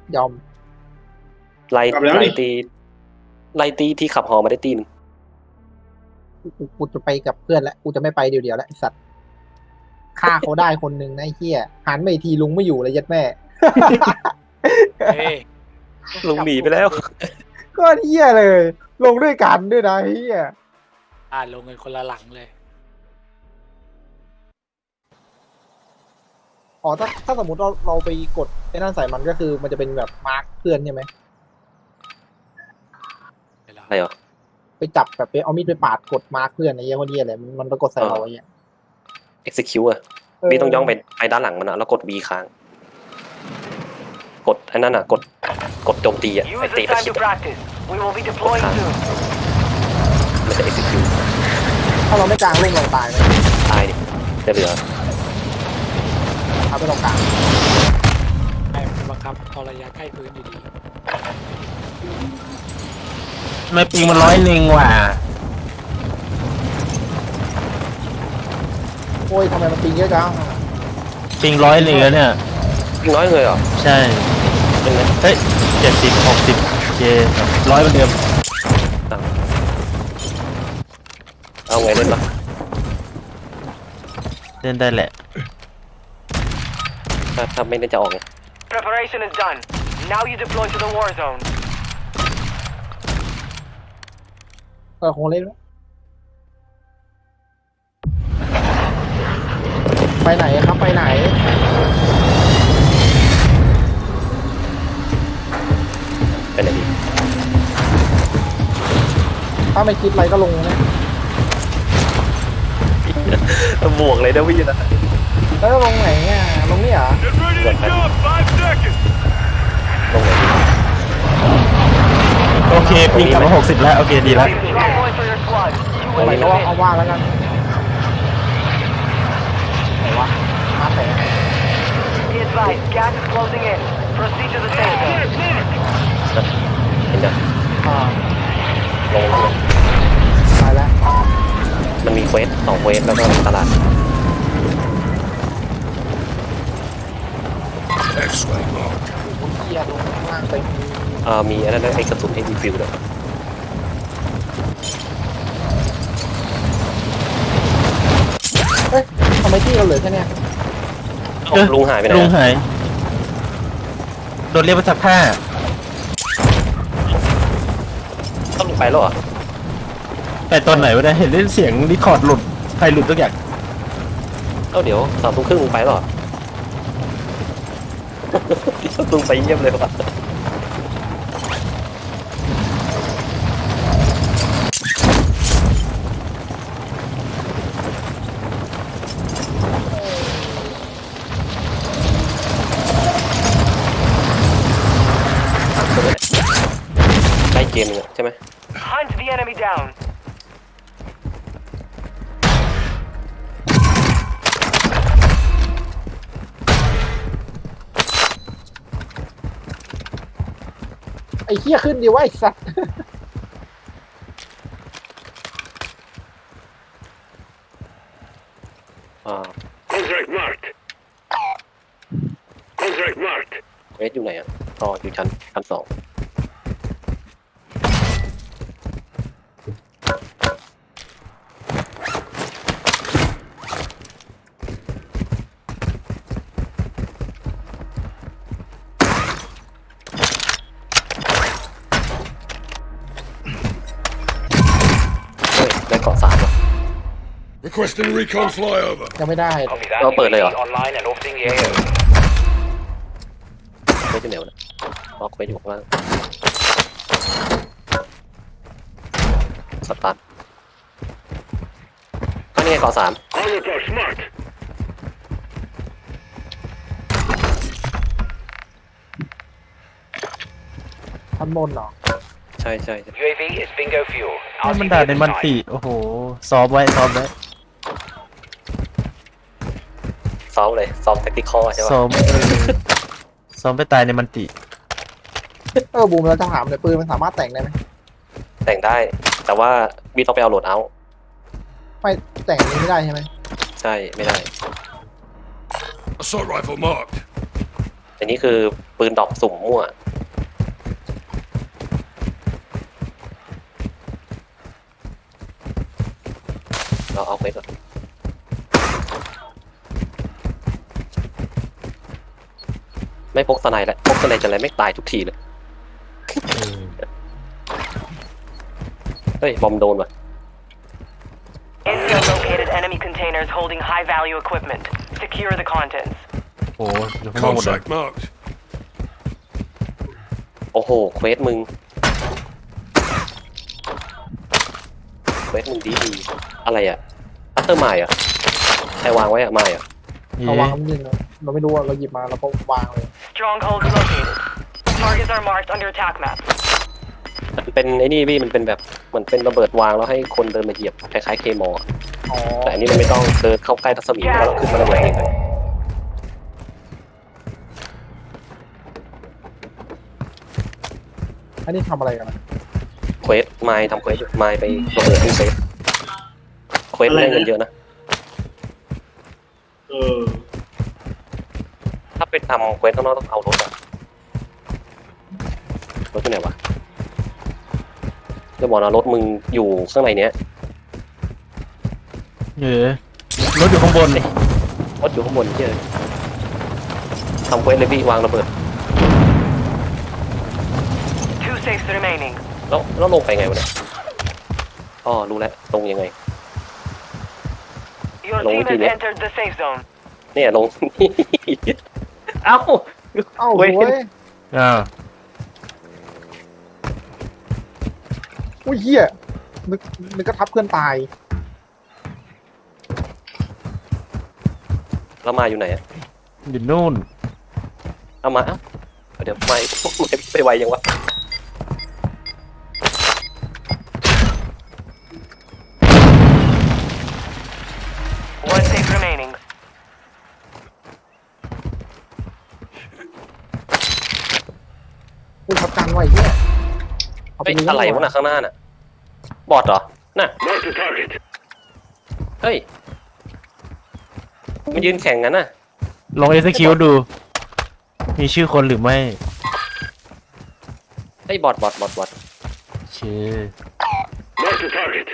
ยอมไล่กลับแล้วไล่นี่ตีไล่ตีที่ขับฮอมาได้ตีหนึงกูจะไปกับเพื่อนแล้วกูจะไม่ไปเดียวๆแล้วไอ้สัตว์ฆ่าเขาได้คนหนึ่งนะไอ้เหี้ยหันไปอีกทีลุงไม่อยู่เลยยัดแม่เฮ้ยลุงหนีไปแล้วก็เหี้ยเลย ลงด้วยกันด้วยนะไอ้เหี้ยลงกันคนละหลังเลยอ๋อถ้าสมมติเราไปกดไอ้นั่นใส่มันก็คือมันจะเป็นแบบมาร์คเพื่อนใช่ไหมอะไรเหรอไปจับแบบไปเอามีดไปปาดกดมาร์คเพื่อนไอ้เหี้ยคนเหี้ยอะไรมันไปกดใส่เราไอ้เหี้ย execute อ่ะพี่ต้องย่องไปด้านหลังมันอะแล้วกด V ค้าง กดไอ้นั่นอ่ะกดโจมตีอ่ะ Use ไอ้ the ตีประ time ชิด to อะ practice. We will be deploying soon. มันจะ execute ถ้าเราไม่กลางลงเราตายไหมตายดิจะเหลือเอาไปตรงกลางให้มันบังคับเอาระยะใกล้พื้นอยู่ดีไม่ปิงมัน100ว่ะโอ้ยทำไมมันปีเยอะจังปิง100แล้วเนี่ยยิ่งน้อยเลยเหรอใช่เป็นไงเฮ้ย70 60เจ100เหมือนเดิมเอาไงเล่นปะเล่นได้แหละถ้าไม่เล่นจะออกไง Preparation is done. Now you deploy to the war zone. คงเล่นไหมไปไหนครับไปไหนเป็นไงดีถ้าไม่คิดอะไรก็ลงนะบวกเลยนะพี่นะแล้วลงไหนอ่ะลงนี่เหรอบวกไปลงไหนดีโอเคปิงกลับมา60แล้วโอเคดีแล้ว Strong point for your squad. ตรงไหนก็ว่าเอาว่าแล้วกันไหนวะมาแต่ Be advised, gas is closing in. Proceed to the safe zone. เห็นยังอ่าลงตายแล้วมันมีเควส2เควสแล้วก็ตลาด X-ray mark. โอ้โหเหี้ยลงข้างล่างไปมีอะไรนะไอ้กระสุนให้ดีฟิลด้วยเฮ้ยทำไมที่เราเหลือแค่เนี้ยลุงหายไปไหนลุงอะหายโดนเรียกไปซักผ้าต้องลงไปแล้วเหรอแต่ตอนไหนวะเนี่ยเห็นเล่นเสียงรีคอร์ดหลุดใครหลุดทุกอย่างเดี๋ยว3:30ลงไปแล้วเหรอ ลุงไปเยี่ยมเลยว่ะ ใกล้เกมนึงอะใช่ไหม Hunt the enemy down. ไอ้เหี้ยขึ้นดีวะไอ้สัส Contract marked. Contract marked. เวสอยู่ไหนอ่ะอยู่ชั้น 2ได้เกาะ3อ่ะ Requesting recon flyover. ยังไม่ได้เราเปิดเลยเหรอ Online and orbiting the AO. เวสอยู่ไหนวะเนี่ยล็อกเวสอยู่ข้างล่างสตาร์ทอันนี้ไงเกาะ3 Armor box marked. ทันบนเหรอใช่ UAV is bingo fuel. ให้มันด่าในมันติโอ้โหซ้อมไว้ซ้อมเลยซ้อมแท็กติคอใช่ปะซ้อมไปตายในมันติบูมเราจะถามเลยปืนมันสามารถแต่งได้ไหมแต่งได้ แต่ว่าบีต้องไปเอาโหลดเอาท์ไม่แต่งอันนี้ไม่ได้ใช่ไหมใช่ไม่ได้ Assault rifle marked. อันนี้คือปืนดอกสุ่มมั่วเราเอาไปก่อนไม่พกสไนด์แล้วพกสไนด์จะอะไรไม่ตายทุกทีเลยเฮ้ยบอมโดนว่ะ Intel located enemy containers holding high-value equipment. Secure the contents. โอ้อยู่ข้างนอกหมดเลย Contract marked. โอ้โหเควสมึงดีอะไรอ่ะอัตเตอร์ไมล์อ่ะใครวางไว้อ่ะไมล์อ่ะนี่เราวางมันยิงเลยเราไม่รู้ว่าเราหยิบมาเราก็วางเลย Strongholds located. Targets are marked under attack map. มันเป็นไอ้นี่พี่มันเป็นแบบเหมือนเป็นระเบิดวางแล้วให้คนเดินมาเหยียบคล้ายๆเคมอลอ๋อแต่อันนี้มันไม่ต้องเดินเข้าใกล้รัศมีแล้วขึ้นมาระเบิดเองเลยอันนี้ทำอะไรกันนะเควสไมล์ทำเควสไมล์ไประเบิดที่เซฟเควสได้เงินเยอะนะถ้าไปทำเควสข้างนอกต้องเอารถอะรถที่ไหนวะจะบอกนะรถมึงอยู่ข้างในเนี้ยรถอยู่ข้างบนรถอยู่ข้างบนเยอะทำเควสเลยพี่วางระเบิด Two safes remaining. แล้วลงไปไงวะเนี่ยอ๋อรู้แล้วลงยังไง Your Long team has way. entered the safe zone. เนี่ยลง เอ้าเอ้าเว้ยเว้ยอ่าอุ้ยเหี้ยนึกก็ทับเพื่อนตายแล้วมาอยู่ไหนอะอยู่นู่นเอามาเอ้าเดี๋ยวไม่ไปไวยังวะ One safe remaining. อุ้ยทับกันไว้เหี้ยเอาปเฮ้ยยิงอะไรวะน่ะข้างหน้าน่ะบอดเหรอน่ะ Mark the target. เฮ้ยมันยืนแข่งกันน่ะลอง execute ดู มีชื่อคนหรือไม่เฮ้ยบอดโอเค Mark the target.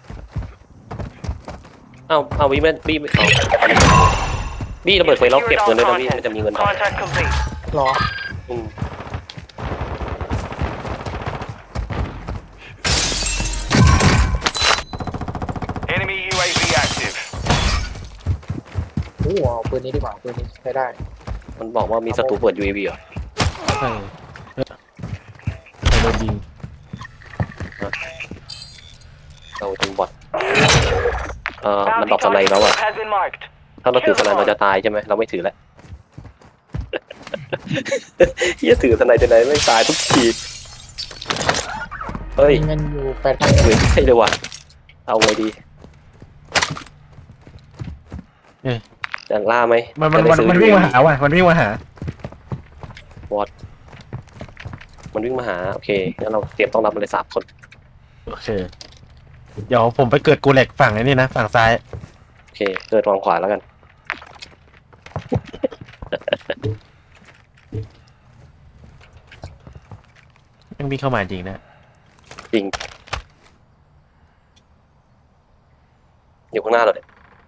เอาวีไม่เอาบี้ระเบิดไฟล็อกเก็บเงินด้วยนะพี่มันจะมีเงินดอก Contract complete. หรออืม Enemy UAV active. โอ้โหเอาปืนนี้ดีกว่าปืนนี้ใช้ได้มันบอกว่ามีศัตรูเปิด UAV เหรอใช่โดนยิงเราถึงบอดมัน Bounty ดรอปสไน target แล้วอะ group has been marked. ถ้าเราถือสไนเราจะตายใช่ไหมเราไม่ถือแล้ว เฮียถือสไนจะไหนไม่ตายทุกทีเฮ้ยมีเงินอยู่8,000 ถือใช่เลยว่ะเอาไงดีเอ๊ะจะล่าไหมมันจะได้ซื้อวิ่งมาหาว่ะ มันวิ่งมาหามันวิ่งมาหาโอเคงั้นเราเตรียมต้องรับมันเลย3 คนโอเค เดี๋ยวผมไปเกิดกูแหลกฝั่งไอ้นี่นะ ฝั่งซ้ายโอเคเกิดวางขวาแล้วกันยังวิ่งเข้ามาจริงนะจริงอยู่ข้างหน้าเราเนี่ยว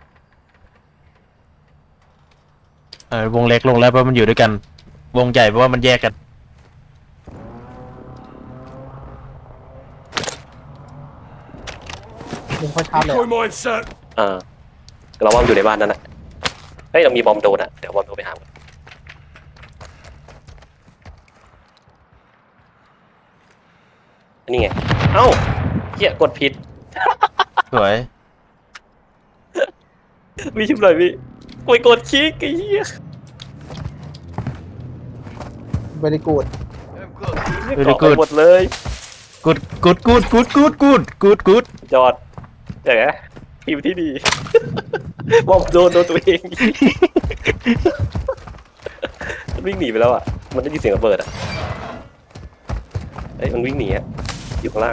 งเล็กลงแล้วเพราะมันอยู่ด้วยกัน วงใหญ่เพราะว่ามันแยกกันมึงค่อยชาร์จเลย Decoy mine set. เราว่ามันอยู่ในบ้านนั่นแหละเฮ้ยเรามีบอมโดนอะเดี๋ยวบอมโดนไปหามันนี่ไงเอ้าเหี้ยกดผิดสวยมีชิบเลยพี่โอ้ยกดคลิกไอ้เหี้ยเวลิกูด Very เกาะไป good หมดเลยกูดจอดอย่างเงี้ยทีมที่ดี บอมโดนตัวเอง มันวิ่งหนีไปแล้วอ่ะมันได้ยินเสียงระเบิดอ่ะเฮ้ยมันวิ่งหนีอ่ะอยู่ข้างล่าง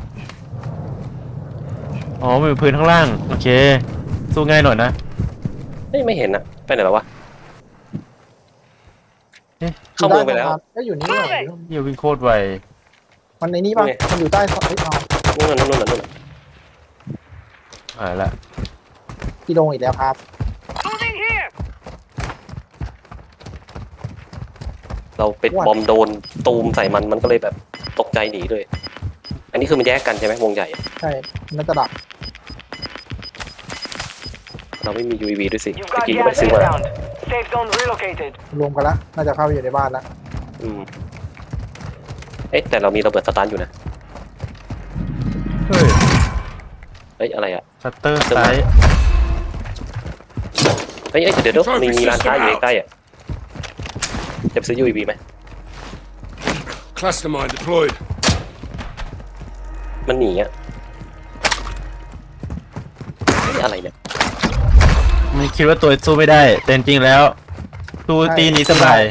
อ๋อมันอยู่พื้นข้างล่าง โอเค สู้ง่ายหน่อยนะเฮ้ยไม่เห็นอ่ะไปไหนแล้ววะเอ๊ะเข้าเมืองไปแล้วก็อยู่นี่หน่อยเหี้ยวิ่งโคตรไวมันในนี้ป่ะไงมันอยู่ใต้สะเอ้ยเอานู่นน่ะนู่นน่ะนู่นน่ะหายละพี่ลงอีกแล้วครับเราเป็นบอมโดนตูมใส่มันก็เลยแบบตกใจหนีเลย อันนี้คือมันแยกกันใช่ไหมวงใหญ่ใช่น่าจะดับเราไม่มี UAV ด้วยสิ You've ตะ got กี้ก็ไป gas ซื้อมา inbound. Safe zone relocated. รวมกันละน่าจะเข้าไปอยู่ในบ้านละอืมเอ๊ะแต่เรามีระเบิดสตาร์ทอยู่นะเฮ้ยเฮ้ยอะไรอ่ะชัตเตอร์ซ้ายเฮ้ยเดี๋ยวมีร้านค้าอยู่ใกล้ๆอ่ะจะไปซื้อ UAV ไหม Cluster mine deployed. มันหนีอ่ะเฮ้ยอะไรเนี่ยมันคิดว่าตัวสู้ไม่ได้ แต่จริงๆแล้วสู้ตีนี้สบาย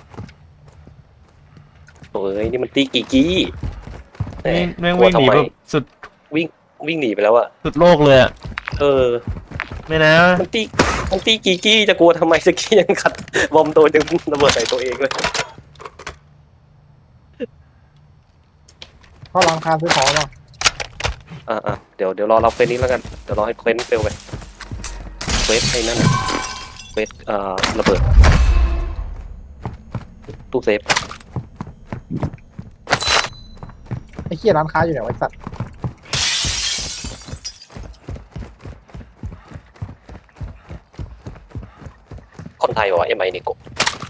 โอ้ยนี่มันตีกี่กี้แหแม่งวิ่งหนีกลัทำไมแบบสุดวิ่งหนีไปแล้วอ่ะสุดโลกเลยอะเออไม่นะมันตีกี่กี้จะกลัวทำไมสกี้ยังขัดบอมโดนยังระเบิดใส่ตัวเองเลยเข้าร้านค้าซื้อของเนาะเดี๋ยวรอเราเควสนี้แล้วกันเดี๋ยวรอให้เควสเฟลไปเควสไอ้นั่นน่ะเควสระเบิดตู้เซฟไอ้เหี้ยร้านค้าอยู่ไหนวะไอ้สัตว์คนไทยบอกว่าMIนี่กบ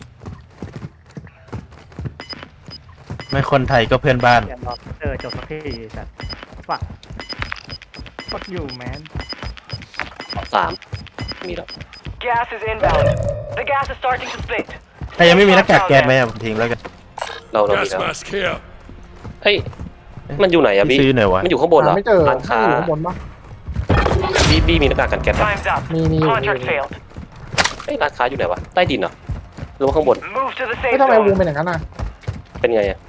ไม่คนไทยก็เพื่อนบ้านอย่ารอจบสักทีแต่ฟักอยู่แมน 3มีแล้ว Gas is inbound. The gas is starting to split. ใครยังไม่มีหน้ากากแก๊สไหมอะผมทิ้งแล้วกันเรามี Gas แล้ว mask here. เฮ้ยมันอยู่ไหนอะบี้ซื้อหน่อยวะมันอยู่ข้างบนเหรหาอไม่เจอร้านค้าอยู่ข้างบนปะบี้มีหน้ากากกันแก๊สปะ Time's up. มีอยู่ Contract failed. เฮ้ยร้านค้าอยู่ไหนวะใต้ดินเหรอหรือว่าข้างบน Move to the ไม่ safe ทำไมวง zone. เป็นอย่างนั้นอ่ะเป็นไงอะ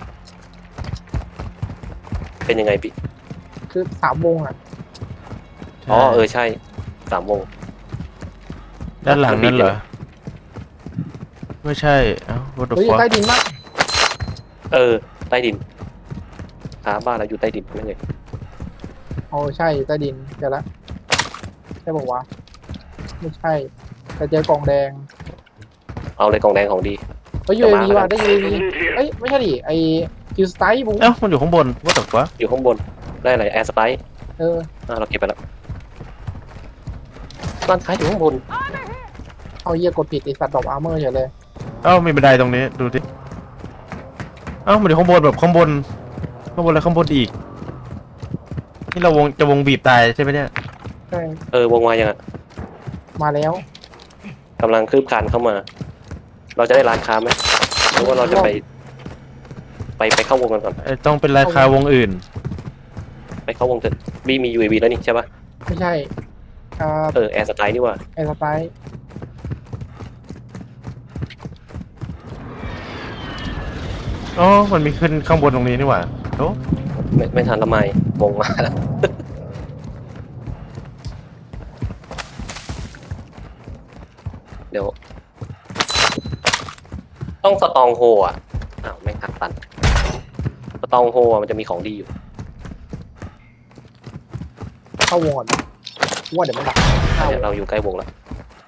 เป็นยังไงบี้คือ3 วงอ่ะอ๋อใช่3 วงด้านหลังนั่นเหรอ ไม่ใช่ เอ้า what the เฮ้ย fuck ใต้ดินมากใต้ดินค้าบ้านเราอยู่ใต้ดินนั่นไงโอ้ใช่ใต้ดินเจอละใช่บอกว่าวะไม่ใช่แต่เจอกล่องแดงเอาเลยกล่องแดงของดีเฮ้ย UAV ว่ะได้ UAV Loot here. เอ้ยไม่ใช่ดิไอคิวสไตล์บุ้งเอ้า มันอยู่ข้างบน what the fuck อยู่ข้างบนได้อะไรแอร์สไปร์เออเราเก็บไปแล้วร้านค้าอยู่ข้างบนเอาเหี้ยกดผิดไอสัตว์ดอกอาร์เมอร์เฉยเลยเอ้า มีบันไดตรงนี้ ดูดิ เอ้า มันอยู่ข้างบนแบบข้างบน ข้างบนแล้วข้างบนอีก นี่เราจะวงบีบตายใช่ไหมเนี่ยใช่วงมายังอะมาแล้วกำลังคืบคลานเข้ามา เราจะได้ร้านค้าไหมหรือว่าเราจะไปเข้าวงกันก่อนต้องเป็นราคาวงอื่นไปเข้าวงเถอะบี้มี UAV แล้วนี่ใช่ปะไม่ใช่แอร์สไตล์นี่ว่าไอสไตล์อ๋อ มันมีขึ้นข้างบนตรงนี้นี่หว่าโอ้ไม่ทันละไมวงมาแล้ว เดี๋ยว ต้องสตองโฮอ่ะอ้าวแม่งหักตันสตองโฮมันจะมีของดีอยู่เข้าวงก่อนว่าเดี๋ยวมันดักเข้าเนี่ยเราอยู่ใกล้วงแล้ว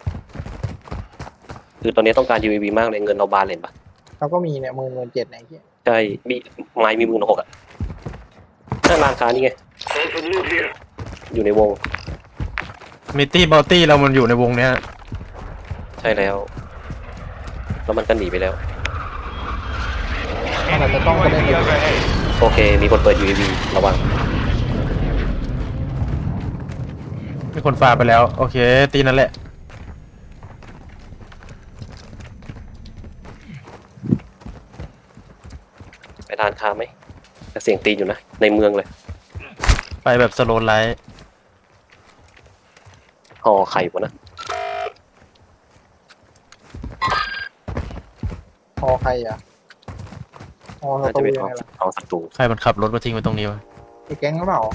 คือตอนนี้ต้องการ UAV มากเลยเงินเราบานเลยปะเราก็มีเนี่ย17,000ไหนเหี้ยใช่มีไม้มี16,000อ่ะนั่นร้านค้านี่ไง Found some loot here. อยู่ในวงมิตี้บัลตี้เรามันอยู่ในวงเนี้ยใช่แล้ว แล้วมันก็หนีไปแล้วมันอาจจะต้องกระเด็นไปโอเค มีคนเปิด UAV ระวังมีคนฝ่าไปแล้ว โอเค ตีนั่นแหละไปทานค้าไหมแต่เสียงตีนอยู่นะ ในเมืองเลยไปแบบสโลว์ไลท์ห่อไข่วะนะพอใครอ่ะพอน่าตัจะวเป็นยังไงล่ะของศัตรูใครมันขับรถมาทิ้งไว้ตรงนี้วะไอแก๊งหรือเปล่า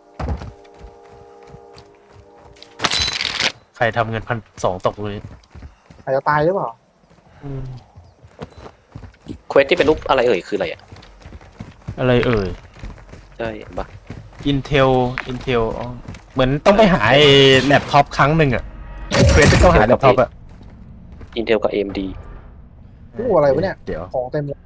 ใครทำเงิน1,200ตกตรงนี้อาจจะตายหรือเปล่าอืมเควสที่เป็นรูปอะไรเอ่ยคืออะไรอ่ะอะไรเอ่ยใช่ปะ Intel อ๋อเหมือนต้องไปหาไอ้แล็ปท็อปครั้งหนึ่งอะเควสที่ต้องหาแล็ปท็อปอะ Intel กับ AMD กูอะไรวะเนี่ยเดี๋ยวของเต็มเลย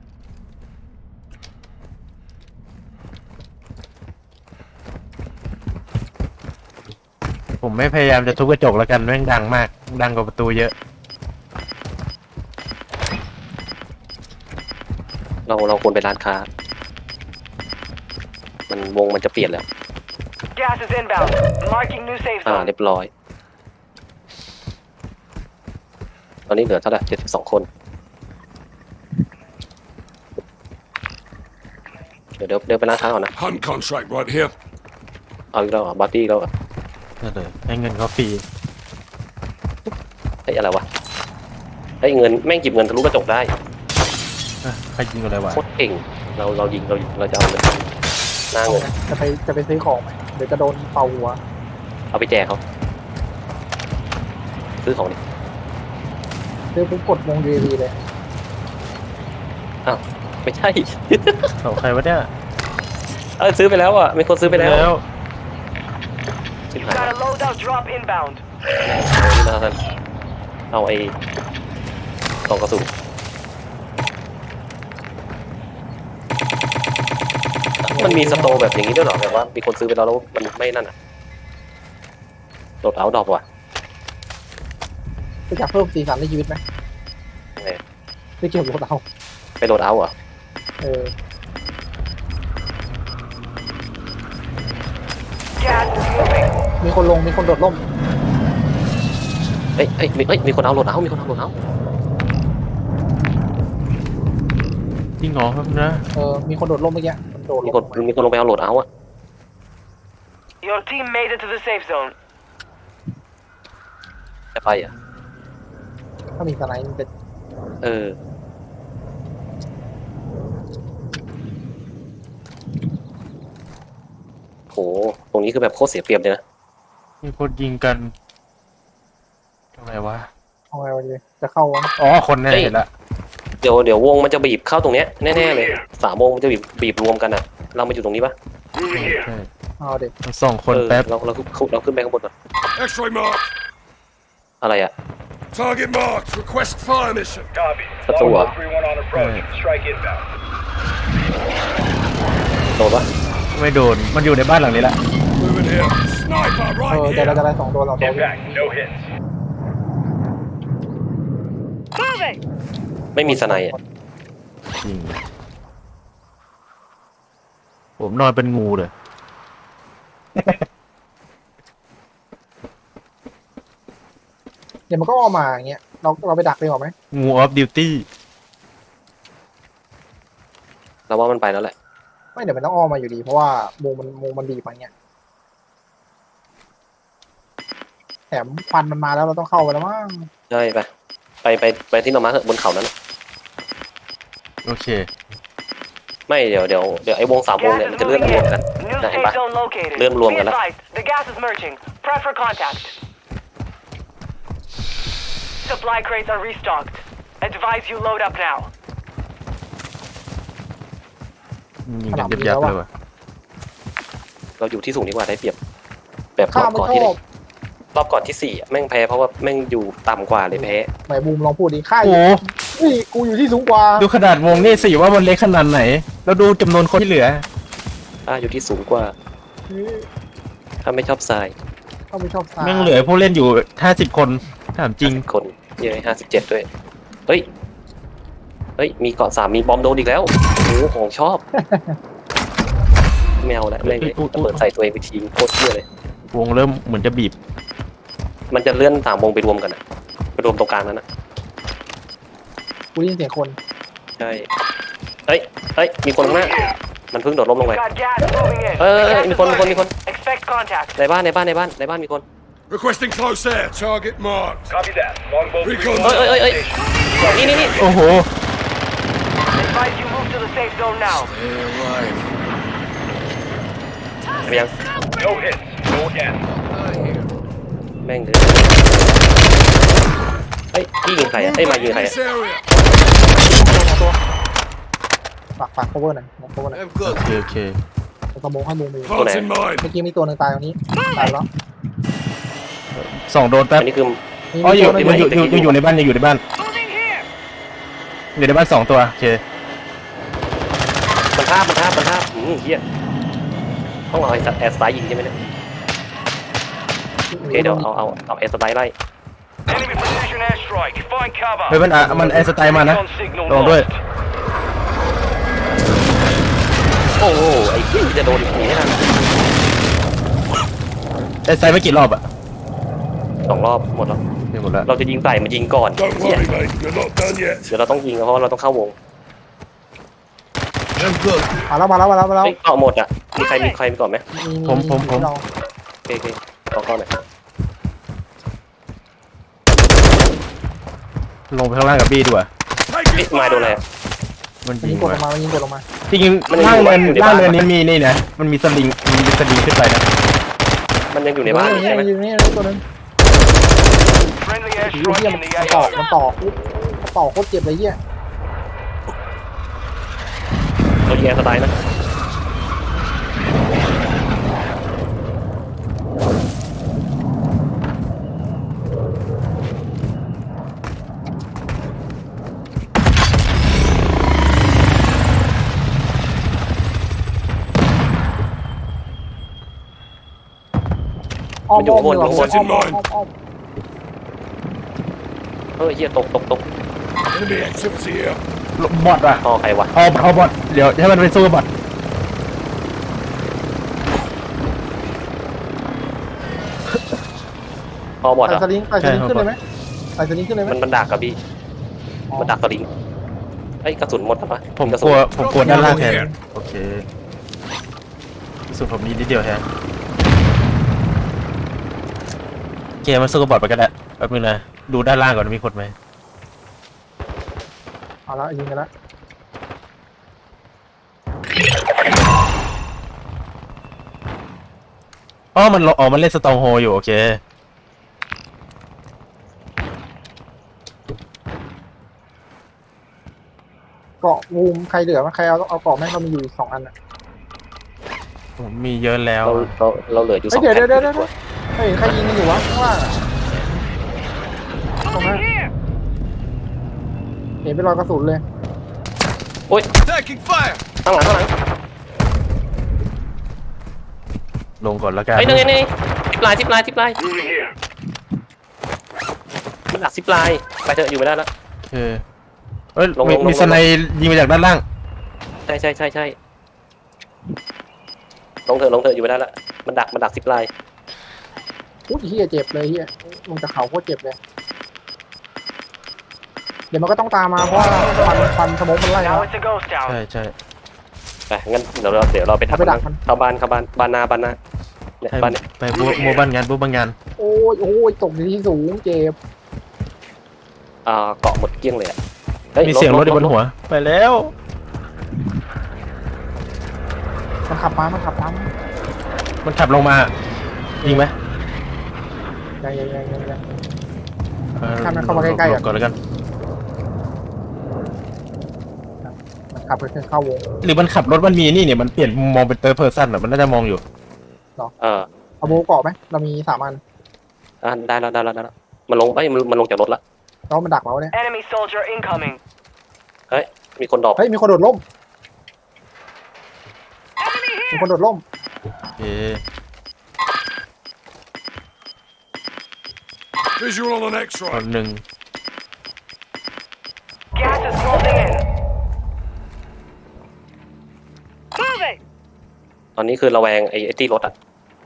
ผมไม่พยายามจะทุบกระจกแล้วกันแม่งดังมาก ดังกว่าประตูเยอะเราควรไปร้านค้า มันวงมันจะเปลี่ยนแล้ว Gas is inbound. Marking new safe เรี zone. ยบร้อย ตอนนี้เหลือเท่าไหร่72 คน เดี๋ยวไปร้านค้าก่อนนะ Hunt contract right here. เอาอีกแล้วเหรอบัตตี้อีกแล้วเหรอนั่นเลยให้เงินเขาฟรีเฮ้ยอะไรวะเฮ้ยเงินแม่งหยิบเงินทะลุกระจกได้ใครยิงอะไรวะโคตรเก่ง เรายิงเราจะเอาเงินหน้าเงินจะไปซื้อของไหมเดี๋ยวจะโดนเป่าหัวเอาไปแจกเขาซื้อของดิซื้อปุ๊บกดวง UAV เลยไม่ใช่เขาใครวะเนี่ยซื้อไปแล้วอ่ะมีคนซื้อไปแล้ว You've got a loadout drop inbound. เอาไอ้กล่องกระสุนมันมีสโตร์แบบอย่างนี้ด้วยเหรอแบบว่ามีคนซื้อไปแล้วมันไม่นั่นอ่ะโดดเอาดอกว่ะจะอยากเพิ่มสีสันในชีวิตไหมไงไม่เกี่ยวกับเราไปโดดเอาอ่ะ Gas is moving. มีคนลงมีคนโดดร่มเอ้ยมีคนเอาโหลดเอามีคนเอาโหลดเอาจริงเหรอครับนะมีคนโดดร่มเมื่อกี้มันโดดมีลคนงมีคนลงไปเอาโหลดเอาอ่ะ Your team made it to the safe zone. จะไปอ่ะถ้ามีสไนด์มันจะโหตรงนี้คือแบบโคตรเสียเปรียบเลยนะมีคนยิงกันทำไมวะเอาไงวันนี้จะเข้าวะอ๋อ คนแน่เห็นละเดี๋ยววงมันจะบีบเข้าตรงเนี้ยแน่ๆเลย3 วงมันจะบีบรวมกันอ่ะ เรามาอยู่ตรงนี้ปะ Moving here. ใช่เอาเด็กต้องส่องคนแป๊บเราขึ้นไปข้างบนก่อน X-ray marked. อะไรอ่ะ Target marked. Request fire mission. Copy. ประตูอ่ะ 3-1 on approach. Strike inbound. โดนปะไม่โดน มันอยู่ในบ้านหลังนี้แหละ Moving here. Sniper เดี๋ยว right เราจะ here. ได้2 ตัวเราตัว Impact. No hits. ไม่มีสไนด์อ่ะจริง ผมนอนเป็นงูเลยเดี๋ยวมันก็ออกมาอย่างเงี้ยเราไปดักดีกว่าไหมงูออฟดิวตี้เราว่ามันไปแล้วแหละไม่เดี๋ยวมันต้องออกมาอยู่ดีเพราะว่ามุมมันบีบมาเงี้ยแถมควันมันมาแล้วเราต้องเข้าไปแล้วมั้งใช่ไปที่เรามาเถอะบนเขานั้นโอเคไม่เดี๋ยวไอ้วง3 วง Gas เนี่ย is มันจะเลื่อน moving รวม in. กัน New นะเห็น safe ปะ zone located. เลื่อนรวม Be กันแล้ว advised, the gas is merging. Prep for contact. Supply crates are restocked. Advise you load up now. ยิงกันยับๆเลยว่ะเราอยู่ที่สูงดีกว่าได้เปรียบแบบรข้าอบไม่ก่อนชที่อบรอบก่อนที่4อะแม่งแพ้เพราะว่าแม่งอยู่ต่ำกว่าเลยแพ้ไหนบูมลองพูดดิข้าโอ้โหนี่กูอยู่ที่สูงกว่าดูขนาดวงนี่สิว่ามันเล็กขนาดไหน แล้วดูจำนวนคนที่เหลืออยู่ที่สูงกว่าถ้าไม่ชอบทรายเขาไม่ชอบซ้ายแม่งเหลือผู้เล่นอยู่50 คน ถามจริงคนเยอะ57ด้วยเฮ้ยมีเกาะ3มีบอมโดนอีกแล้วโอ้โหของชอบแมวแล้วแม่งเลยระเปิดใส่ตัวเองไปทิ้งโคตรเชื่อเลยวงเริ่มเหมือนจะบีบมันจะเลื่อน3 วงไปรวมกันอะไปรวมตรงกลางนั้นนะกูได้ยินเสียงคนใช่เฮ้ยมีคนข้างหน้ามันเพิ่งโดดล้มลงไป Got gas moving in. มี Gas is คน merging. Expect contact. ในบ้านมีคน Requesting close air. Target marked. Copy that. Longbow 3-1 เอ้ยนี่โอ้โห Advise you move to the safe zone now. Stay alive. ไปยัง No hits. Go again. แม่งเลยพี่ยิงใครอ่ะมายิงใครอ่ะ This area. ฝาก cover หน่อย cover หน่อย I'm โอ good. เคโอเคสมองให้มุมไป Parts in mind. เมื่อกี้มีตัวหนึ่งตายตรงนี้ตายแล้ว 2 โดนแป๊บอันนี้คืออ๋ออยู่มีมันตัวหนึ่งอยู่ในบ้านอยู่ในบ้านอยู่ในบ้าน2 ตัวโอเคมันท่าเฮียต้องเอาแอร์สไตล์ยิงใช่ไหมเนี่ยโอเคเดี๋ยวเอาแอร์สไตล์ไล่ Enemy precision airstrike. Find cover. เฮ้ยมันแอร์สไตล์มานะ signal ลองด้วยโอ้โหไอ้เหี้ยจะโดนหนีให้ทันแอร์สไตล์ไม่กี่รอบอะ 2 รอบหมดแล้วนี่หมดแล้วเราจะยิงใส่มันยิงก่อน Don't เหี้ย worry, mate. You're not done yet. เดี๋ยวเราต้องยิงเพราะเราต้องเข้าวง I'm good. มาแล้วเฮ้ยเกาะหมดอ่ะมีใครมีก่อนไหมเราโอเคเอาก่อนหน่อยลงไปข้างล่างกับบี้ดีกว่า Take เอ๊ะ it มาโดนอะไร fire. อะมันมันยิยิงงกดลมางมามันยิงกดลงมาจริงๆล่างเนินนี้มีนี่นะมันมีสลิงขึ้นไปนะมันยังอยู่ในบ้านอยู่ใช่ไหมอยู่นี่ตัวนึง Friendly เฮี airstrike ย in มัน the ต่อ AO. มันต่อโคตรเจ็บเลยเฮียเรายิงแอร์สไตล์นะมันอยู่ข้างบน เฮ้ยเฮียตก Enemy activity here. บอทอะต่อใครวะเอาบอทเดี๋ยวให้มันไปสู้กับบอทต่อบอดใส่อ่ะสลิงขึ้นเลยไหมใส่สลิงขึ้นเลยไหมมันดักกับพี่มันดักสลิงไอ้ยกระสุนหมดแล้วปะผมกระกสุลันวด้านล่างแทนโอเคสุดผมนี้นิดเดียวแทนเกมมันสู้กับบอทไปก็ได้แป๊บนึงนะดูด้านล่างก่อนมีคนไหมเอาละยิงกันละอ๋อมันเล่นสตองโฮอยู่โอเคเกาะวูมใครเหลือมั้ยใครเอาเกาะแม่งเรามีอยู่2 อันอ่ะผมมีเยอะแล้วเราเหลืออยู่เฮ้ย 2 แผ่นเดี๋ยวเฮ้ยใครยิงกันอยู่วะข้างล่างอ่ะตรงนั้นเห็นเป็นรอยกระสุนเลยโอ้ย Taking fire. ข้างหลังลงก่อนแล้วกันเฮ้ยนี่ทิปลาย Moving here. มันดักซิปลายไปเถอะอยู่ไม่ได้แล้วโอเคเอ้ยลงมีสไนยิงมาจากด้านล่างใช่ลงเถอะอยู่ไม่ได้แล้วมันดักซิปลายอุ้ยเฮียเจ็บเลยเฮียลงจากเขาโคตรเจ็บเลยเดี๋ยวมันก็ต้องตามมาเพราะว่าฟันสมองมันไล่ Now มา it's a ghost town. ใช่ไปงั้นเดี๋ยวเราไปทับไปดักมันเข้าบ้านเนี่ยใช่บ้านเนี่ยไปบัวบ้านงานโอ้ยตกในที่สูงเจ็บเกาะหมดเกลี้ยงเลยอะมีเสียงรถอยู่บนหัวไปแล้วมันขับมามันขับลงมายิงไหมยังออข้ามมันเข้ามาใกล้ๆหลอ่ะบก่อนแล้วกันมันขับไปเข้าวงหรือมันขับรถมันมีนี่เนี่ยมันเปลี่ยนมุมมองเป็นเตอร์เพอร์ซันอ่ะมันน่าจะมองอยู่เอาโบเกาะไหมเรามี3 อันได้แล้วมันลงมันลงจากรถละแล้วมันดักเราเนี่ย Enemy soldier incoming. มีคนดรอปเฮ้ยมีคนโดดร่มมีคนโดดร่มโอเค Visual on the next คน one. หนึ่ง Gas is closing in. ตอนนี้คือระแวงไอ้ตี้รถอ่ะ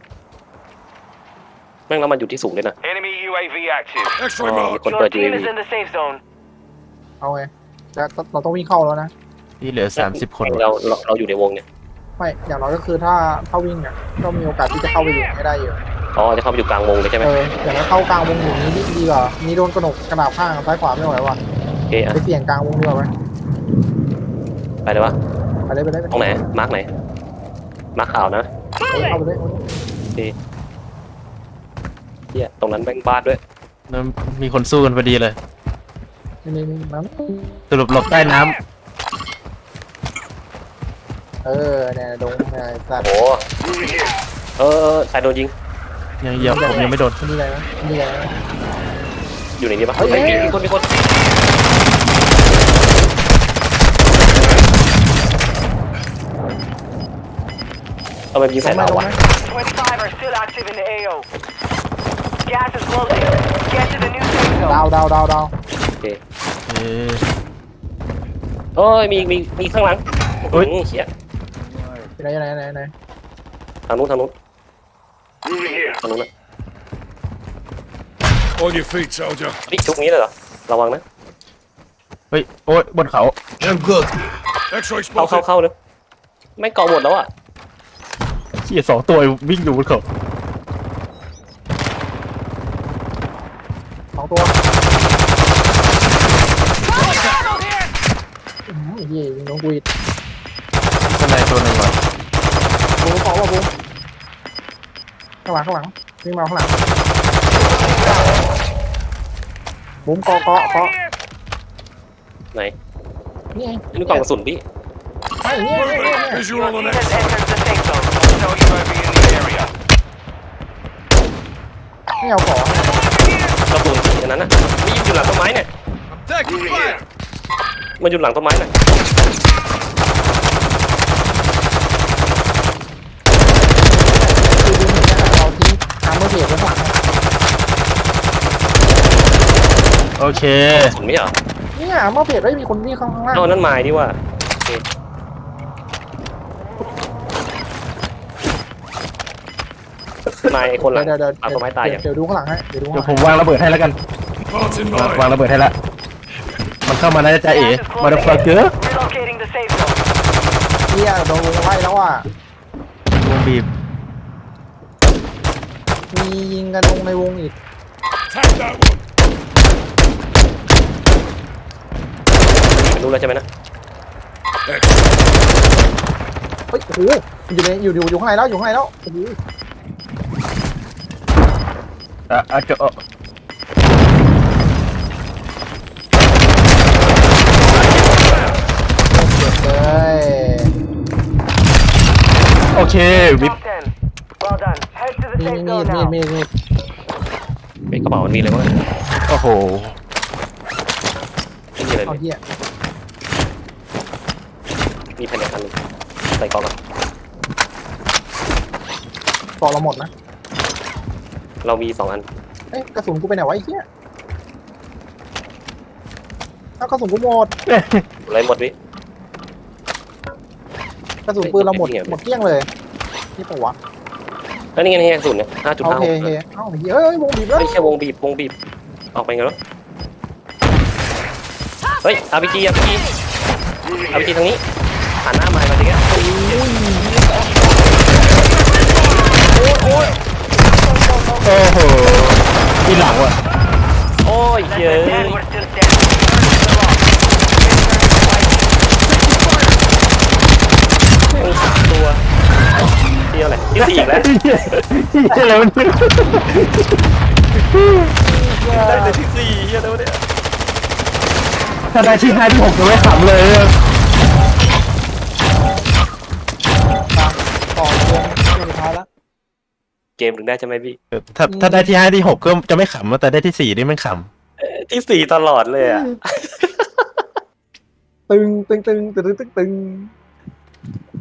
แม่งแล้วมันอยู่ที่สูงเลยนะ Enemy UAV active. X-ray Oh, mark. Con Your try team UAV. is in the safe zone. เอาไงแล้วเราต้องวิ่งเข้าแล้วนะที่เหลือ30 คนเราอยู่ในวงเนี่ยไม่อย่างน้อยก็คือถ้าวิ่งอ่ะก็มีโอกาสที่จะเข้าไปอยู่ให้ได้อยู่จะเข้าไปอยู่กลางวงเลยใช่ไหมอย่างน้อยเข้ากลางวงอยู่นี้ดีกว่ามีโดนกระหน่ำข้างซ้ายขวาไม่ไหวว่ะโอเคอ่ะไปเสี่ยงกลางวงดีกว่าไหมไปเลยวะไปเลยตรงไหนมาร์กไหนมาร์กขาวนะเข้าไปเลยเฮียตรงนั้นแบงบ้านด้วยแล้วมีคนสู้กันพอดีเลยนี่นั้นสรุปหลบใต้น้เนี่ยดงเนี่ยไอ้สัตว์โอ้ใครโดนยิงยังเหยียบผมยังไม่โดนนี่ไงนะนี่ไงนะอยู่ไหนดีปะเฮ้ยเฮ้ยมีคนเอาไปยิงใส่เราวะ 25 are still active in the AO. Gas is closing. Get to the new safe zone. ดาวโอเคเอ๊ะเอ้ยมีข้างหลังเฮ้ยเหี้ยไหนทางนู้น Moving here. ทางนู้นนะ On your feet, soldier. นี่ชุกนี้เลยเหรอระวังนะเฮ้ยโอ้ยบนเขา I'm good. X-ray เข้าเลยไม่เกาะหมดแล้วอ่ะเชี่ย2 ตัววิ่งอยู่บนเขา 2 ตัวเฮียยิงน้องกูอีกข้างในตัวหนึ่งว่ะบูมเกาะว่ะบูมข้างหลังวิ่งมาข้างหลังบูมเกาะไหนนี่ไงนี่กล่องกระสุนพี่ไอ้เนี่ย Visual on the Team next. has entered the safe zone. Know you might be in the area. ไม่เอาก่อนกระสุนพี่อันนั้นน่ะนี่อยู่หลังต้นไม้เนี่ย I'm taking fire. มันอยู่หลังต้นไม้น่ะคือดูเหมือนกันเราทิ้งทางเมื่อเบรกไว้ข้างหลังโอเคกระสุนไม่เหรอเนี่ยเมื่อเบรกได้มีคนวิ่งข้างล่างเอานั่นไม้ดีว่าโอเคไม้ไอ้คนหลังเดี๋ยวหลังต้นไม้ตายอย่างเดี๋ยวดูข้างหลังให้เดี๋ยวดูเดี๋ยวข้างผหลังมวางระเบิดให้แล้วกัน Parts in วาง mind. ระเบิดให้แล้วมันเข้ามาน่าจะเอ๋ Gas is มาเด closing ฟัก in. เกอร์ Relocating the safe zone. เฮียโดนวงไล่แล้วอ่ะวงบีบมียิงกันลงในวงอีก Tag that one. รู้แล้วใช่ไหมนะ Excellent. เฮ้ยโอ้โหอยู่ข้างในแล้วโอ้โหจะเฮ้ยโอเควิบ Top 10. Well done. Head to the มี safe zone now. เป็นกระเป๋ามันมีเลยวะโอ้โหไม่มีอะไรเอาเลยเฮียมีแผ่นอันหนึงใส่กล่องก่อนต่อเราหมดนะเรามี2 อันเอ้ยกระสุนกูไปไหนวะไอ้เฮียเอากระสุนกูหมดอะไรหมดวิกระสุนปืนเราหมดเกลี้ยงเลยนี่ปะวะแล้วนี่ไงนี่ไงกระสุนเนี่ยโอเค 5.56 เฮ้ยเอ้าเฮ้ยวงบีบแล้วไม่ใช่วงบีบออกไปไงวะเฮ้ย RPG ทางนี้หันหน้ามาทีแกโอ้โหที่หลังว่ะโอ้ยเยอะ And we're still standing. Return to the lock. ตัวเที่ยวอะไรที่4อีกแล้วที่อะไรมันได้แต่ที่4เฮียแล้วเนี่ยถ้าได้ที่5ที่6จะไม่ขำเลยต่อวงสุดท้ายแล้วเกมถึงได้ใช่ไหมพี่ถ้าได้ที่5ที่6ก็จะไม่ขำแต่ได้ที่4นี่มันขที่4ตลอดเลยอ่ะตึง